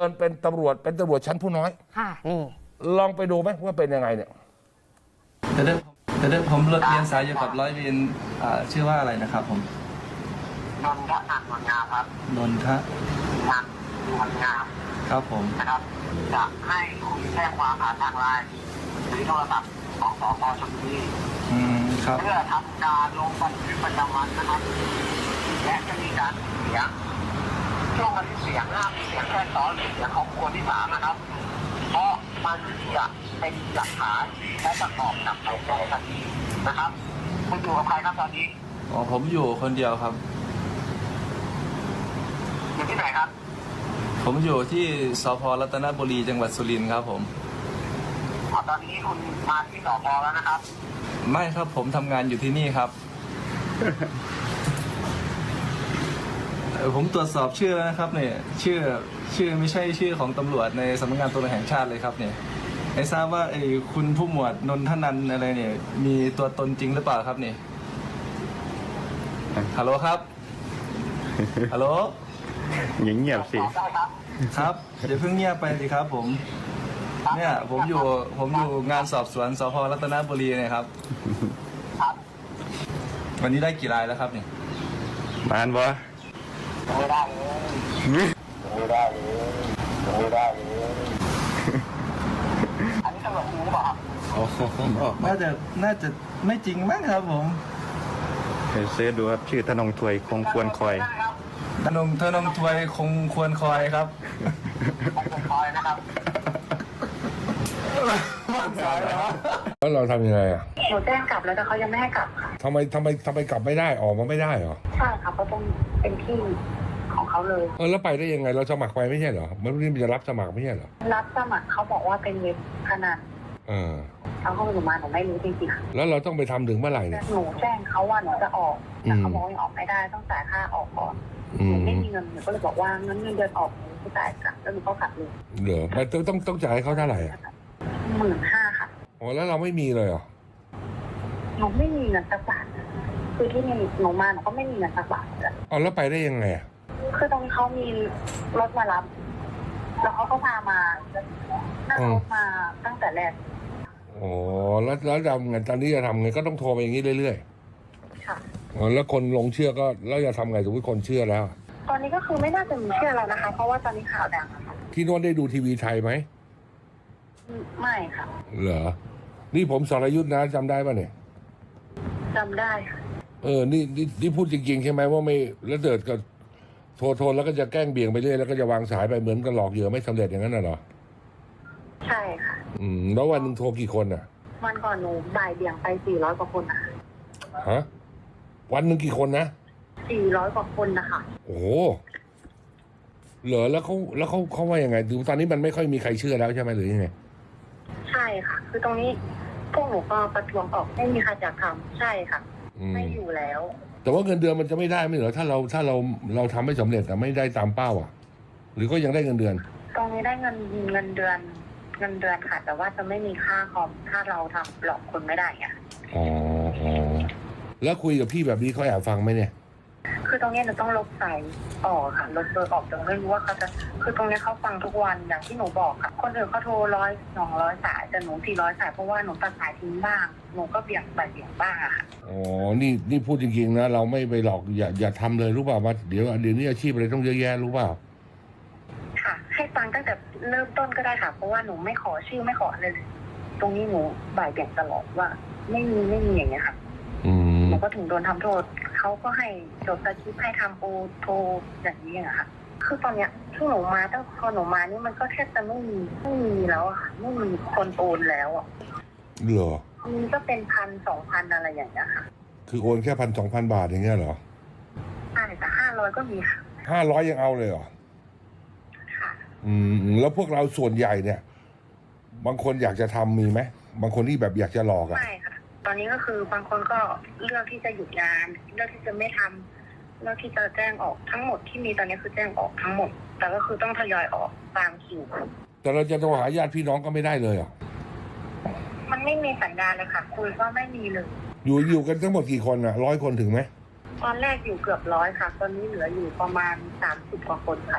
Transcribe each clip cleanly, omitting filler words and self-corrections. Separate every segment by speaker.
Speaker 1: เป็นตำรวจชั้นผู้น้อย
Speaker 2: ค่ะนี่
Speaker 1: ลองไปดูไหมว่าเป็นยังไงเนี่ย
Speaker 3: แต่เดิมผมเรียนสายอยู่กับร้อยเวรชื่อว่าอะไรนะครับผม
Speaker 4: นนทนันท์นวลงามครับ
Speaker 3: นนท
Speaker 4: นันท์นวลงาม
Speaker 3: ครับผม
Speaker 4: นะครับจะให้คุณแจ้งความผ่านทางไลน์หรือโทรศัพท์ของสพ.ชลบุรี
Speaker 3: ครับ
Speaker 4: เพื่อทำการลงบันทึกประจำวันนะครับและจะมีการเสียงช่วงบันทึกเสียงห้ามมีเสียงแค่ตอนหรือเสียงของคนที่สามนะครับเพราะมันจะเป็นหลักฐานและประกอบกับในคดีนะครับคุณอยู่กับใครครับตอนนี้
Speaker 3: อ๋อผมอยู่คนเดียวครับ
Speaker 4: อยู่ที่ไหนครับ
Speaker 3: ผมอยู่ที่สพ.รัตนบุรีจังหวัดสุรินทร์ครับผม
Speaker 4: ตอนนี้คุณมาที่สพ.แล้วนะครับ
Speaker 3: ไม่ครับผมทำงานอยู่ที่นี่ครับ ผมตรวจสอบชื่อแล้วนะครับเนี่ยชื่อไม่ใช่ชื่อของตำรวจในสำนักงานตำรวจแห่งชาติเลยครับเนี่ยไม่ทราบว่าคุณผู้หมวดนนทนันท์อะไรเนี่ยมีตัวตนจริงหรือเปล่าครับเนี่ยฮัลโหลครับฮัลโหล
Speaker 5: เงียบสิ
Speaker 3: ครับเดี๋ยวเพิ่งเงียบไปสิครับผมเนี่ยผมอยู่งานสอบสวนสพ.รัตนบุรีเนี่ยครับวันนี้ได้กี่รายแล้วครับเนี่ย
Speaker 5: มานบ่
Speaker 4: ไม่ได้เลยอันนี้ตำรวจรู้ป่ะครับ
Speaker 3: น่าจะไม่จริงมั้งครับผม
Speaker 5: ไปเสิร์ชดูครับชื่อธนงถวยคงควรคอย
Speaker 3: ธนงถวยคงควรคอยครับ
Speaker 4: คอยนะครับ
Speaker 1: แล้วเราทำยังไงอ่ะ
Speaker 2: หนูแจ้งกลับแล้วแต่เขายังไม่ให้กลับค่ะ
Speaker 1: ทำไมกลับไม่ได้ออกมาไม่ได้เหรอ
Speaker 2: ใช่ค่ะเพราะต้องเป็นที่ของเขาเลย
Speaker 1: แล้วไปได้ยังไงเราสมัครไปไม่ใช่เหรอมันไม่จะรับสมัครไม่ใช่เหรอ
Speaker 2: รับสมัครเขาบอกว่าเป็นเว็บพนันเขาเข้าไปหนูมาหนูไม่รู้จริงๆ
Speaker 1: แล้วเราต้องไปทำถึงเมื่อไหร่เนี่ย
Speaker 2: หนูแจ้งเขาว่าหนูจะออกแต่เขาบอกยังออกไม่ได้ต้องจ่ายค่าออกก่อนหนูไม่มีเงินหนูก็เลยบอกว่างั้นเงินเดือนออกหนูจะจ่ายกลับแล้วหนูก็กลับเลย
Speaker 1: เหรอมันต้องจ่ายให้เขาเท่าไหร่อ่ะ
Speaker 2: 15,000ค่ะ
Speaker 1: อ๋อแล้วเราไม่มีเลยเหรอ
Speaker 2: หนูไม่มีเงินสักบาทคือที่นี่หนูมาหนูก็ไม่มีเงินสักบาทเลย
Speaker 1: อ๋อแล้วไปได้ยังไง
Speaker 2: คือตรงนี้เขามีรถมารับแล้วเขาก็พามานั่งรถมาตั้งแต่แรก
Speaker 1: อ๋อแล้วทำไงตอนนี้จะทำไงก็ต้องโทรไปอย่างนี้เรื่อย
Speaker 2: ๆค่ะ
Speaker 1: อ๋อแล้วคนลงเชื่อก็แล้วจะทำไงสมมติคนเชื่อแล้ว
Speaker 2: ตอนนี้ก็คือไม่น่าจะมีเชื่อแล้วนะคะเพราะว่าตอนนี้ข่าวดัง
Speaker 1: ที่โน้นได้ดูทีวีไทยไหม
Speaker 2: ไม่ค่ะ
Speaker 1: เหรอนี่ผมสรยุทธนะจำได้ป่ะเนี่ย
Speaker 2: จำได้ค่ะ
Speaker 1: นี่พูดจริงๆใช่ไหมว่าไม่แล้วเดิดก็โทรแล้วก็จะแกล้งเบี่ยงไปเรื่อยแล้วก็จะวางสายไปเหมือนกับหลอกเหยื่อไม่สำเร็จอย่างนั้นน่ะเหรอ
Speaker 2: ใช่ค่ะ
Speaker 1: แล้ววันนึงโทรกี่คนอ่ะ
Speaker 2: วันก่อนหนูบ่ายเบี่ยงไป400 กว่าคนนะคะ
Speaker 1: ฮะวันนึงกี่คนนะ
Speaker 2: 400 กว่าคนนะคะ
Speaker 1: โอ้เหรอแล้วเขาว่ายังไงดูตอนนี้มันไม่ค่อยมีใครเชื่อแล้วใช่ไหมหรือยังไง
Speaker 2: ใช่ค่ะคือตรงนี้พวกหนูก็ประท้วงออกไม่มีใครอยากทำใช่ค่ะไม่อยู่แล้ว
Speaker 1: แต่ว่าเงินเดือนมันจะไม่ได้ไม่เหรอถ้าเราทำไม่สำเร็จแต่ไม่ได้ตามเป้าอ่ะหรือก็ยังได้เงินเดือน
Speaker 2: ตรงนี้ได้เงินเดือนค่ะแต่ว่าจะไม่มีค่าคอมถ้าเราทำหลอกคนไม่ได้อ่ะ
Speaker 1: อ๋อแล้วคุยกับพี่แบบนี้เขาแอบฟังไหมเนี่ย
Speaker 2: คือตรงนี้หนูต้องลบสายออกค่ะลบเบอร์ออกจนไม่รู้ว่าเขาจะคือตรงนี้เขาฟังทุกวันอย่างที่หนูบอกค่ะคนอื่นเขาโทร100-200 สายแต่หนู400 สายเพราะว่าหนูตัดสายทิ้งบ้างหนูก็เบี่ยงบ้างอะค่ะ
Speaker 1: อ๋อนี่พูดจริงๆนะเราไม่ไปหลอกอย่าทำเลยรู้เปล่าว่าเดี๋ยวนี้อาชีพอะไรต้องเยอะแยะรู้เปล่า
Speaker 2: ค่ะให้ฟังตั้งแต่เริ่มต้นก็ได้ค่ะเพราะว่าหนูไม่ขอชื่อไม่ขออะไรเลยตรงนี้หนูบ่ายเบี่ยงตลอดว่าไม่มีอย่างเงี้ยค่ะหนูก็ถึงโดนทำโทษเขาก็ให้จดสคริปต์ให้ทำโทรอย่างนี้อะค่ะคือตอนเนี้ยที่หนูมาตั้งพอหนูมานี่มันก็แทบจะไม่มีแล้วอะค่ะไม่มีคนโอนแล้วอะ
Speaker 1: เหรอ
Speaker 2: มันก็เป็น1,000-2,000อะไรอย่างเงี้ยค่ะ
Speaker 1: คือโอนแค่1,000-2,000 บาทอย่างเงี้ยเหรอ
Speaker 2: ใช่แต่500ก็มีค่ะ
Speaker 1: 500ยังเอาเลยเหรอ
Speaker 2: ค่ะ
Speaker 1: แล้วพวกเราส่วนใหญ่เนี่ยบางคนอยากจะทำมีไหมบางคนที่แบบอยากจะหลอกอะ
Speaker 2: ไม่ค่ะตอนนี้ก็คือบางคนก็เลือกที่จะหยุดงานเลือกที่จะไม่ทำเลือกที่จะแจ้งออกทั้งหมดที่มีตอนนี้คือแจ้งออกทั้งหมดแต่ก็คือต้องทยอยออกตามคิว
Speaker 1: แต่เราจะโทรหาญาติพี่น้องก็ไม่ได้เลยอ่ะ
Speaker 2: มันไม่มีสัญญาณเลยค่ะคุยก็ไม่มีเลย
Speaker 1: อยู่กันทั้งหมดกี่คนอ่ะ100 คนถึงไหม
Speaker 2: ตอนแรกอยู่เกือบ100ค่ะตอนนี้เหลืออยู่ประมาณ30 กว่าคนค่ะ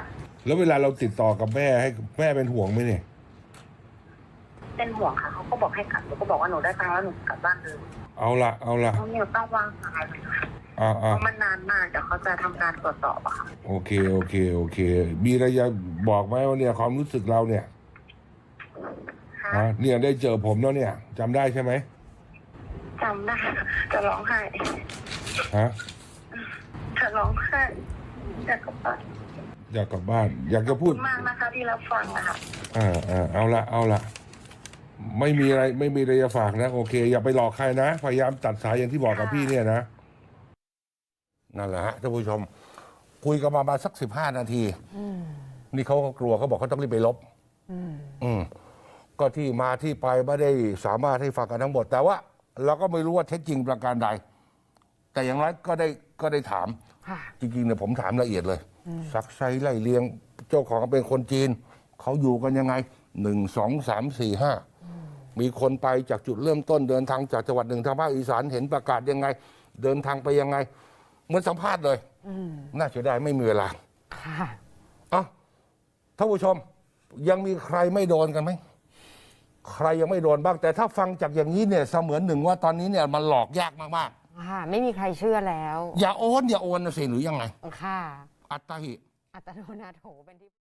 Speaker 1: แล้วเวลาเราติดต่อกับแม่ให้แม่เป็นห่วงไหมเนี่ย
Speaker 2: เป็นห่วงค่ะเขาก็บอกให้กลับหนูก็บอกว่าหนูได้ตังค์แล้วหนูกลับบ้านเลย
Speaker 1: เอาละ
Speaker 2: เพราะหนูต้องวางสายเลยค่ะ
Speaker 1: อ่า
Speaker 2: เพราะมันนานมากเดี๋ยวเขาจะทำการตรวจสอบอะค่ะ
Speaker 1: โอเคมีอะไรจะบอกไหมว่าเนี่ยความรู้สึกเราเนี่ย
Speaker 2: ค่ะ
Speaker 1: เนี่ยได้เจอผมแล้วเนี่ยจำได้ใช่ไหม
Speaker 2: จำได้จะร้องไห้
Speaker 1: ฮะ
Speaker 2: จะร้องไห้อยากกลับบ้าน
Speaker 1: อยากกลับบ้าน อยากจะ
Speaker 2: ข
Speaker 1: พู
Speaker 2: อบ
Speaker 1: ด
Speaker 2: คุณมากนะคะที่รับฟังอะค่ะ
Speaker 1: เอาละไม่มีอะไรจะฝากนะโอเค อย่าไปหลอกใครนะพยายามตัดสายอย่างที่บอกกับพี่เนี่ยนะนั่นแหละฮะท่านผู้ชม คุยกันมาสัก15 นาทีนี่เขาก็กลัวเขาบอกเขาต้องรีบไปลบก็ที่มาที่ไปไม่ได้สามารถให้ฟังกันทั้งหมด แต่ว่าเราก็ไม่รู้ว่าเท็จจริงประการใด แต่อย่างไรก็ได้ถาม จริงๆเนี่ยผมถามละเอียดเลยซักไซไล่เลียง เจ้าของเป็นคนจีน เขาอยู่กันยังไง1 2 3 4 5มีคนไปจากจุดเริ่มต้นเดินทางจากจังหวัดหนึ่งทางภาคอีสานเห็นประกาศยังไง เดินทางไปยังไงเหมือนสัมภาษณ์เลยน่าเสียดายไม่มีเวลาท่านผู้ชมยังมีใครไม่โดนกันไหมใครยังไม่โดนบ้างแต่ถ้าฟังจากอย่างนี้เนี่ยเสมือนหนึ่งว่าตอนนี้เนี่ยมันหลอกยากมาก
Speaker 6: ๆไม่มีใครเชื่อแล้ว
Speaker 1: อย่าโอนนะสิหรือยังไง
Speaker 6: ค่ะ
Speaker 1: อัตตาหิ
Speaker 6: อัตโนนาโถเป็นที่